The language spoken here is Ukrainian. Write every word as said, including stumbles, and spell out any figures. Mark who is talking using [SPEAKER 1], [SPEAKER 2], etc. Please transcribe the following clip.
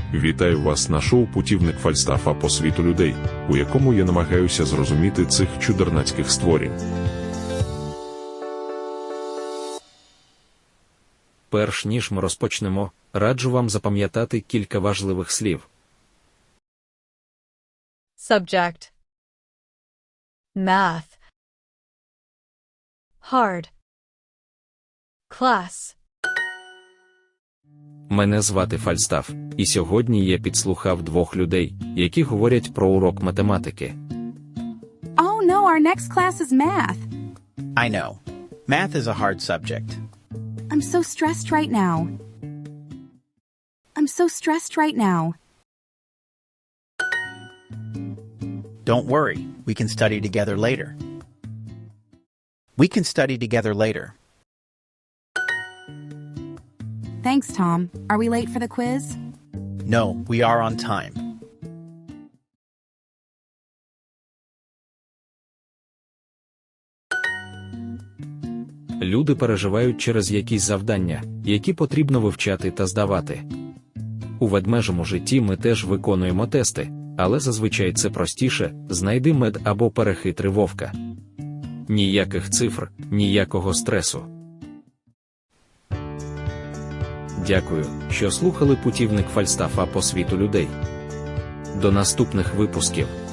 [SPEAKER 1] Вітаю вас на шоу «Путівник Фальстафа по світу людей», у якому я намагаюся зрозуміти цих чудернацьких створінь.
[SPEAKER 2] Перш ніж ми розпочнемо, раджу вам запам'ятати кілька важливих слів.
[SPEAKER 3] Subject. Math. Hard. Class.
[SPEAKER 2] Мене звати Фальстаф, і сьогодні я підслухав двох людей, які говорять про урок математики.
[SPEAKER 4] Oh no, our next class is math.
[SPEAKER 5] I know. Math is a hard subject.
[SPEAKER 4] I'm so stressed right now. I'm so stressed right now.
[SPEAKER 5] Don't worry, we can study together later. We can study together later.
[SPEAKER 4] Thanks, Tom. Are we late for the quiz?
[SPEAKER 5] No, we are on time.
[SPEAKER 2] Люди переживають через якісь завдання, які потрібно вивчати та здавати. У ведмежому житті ми теж виконуємо тести, але зазвичай це простіше: знайди мед або перехитри вовка. Ніяких цифр, ніякого стресу. Дякую, що слухали «Путівник Фальстафа по світу людей». До наступних випусків.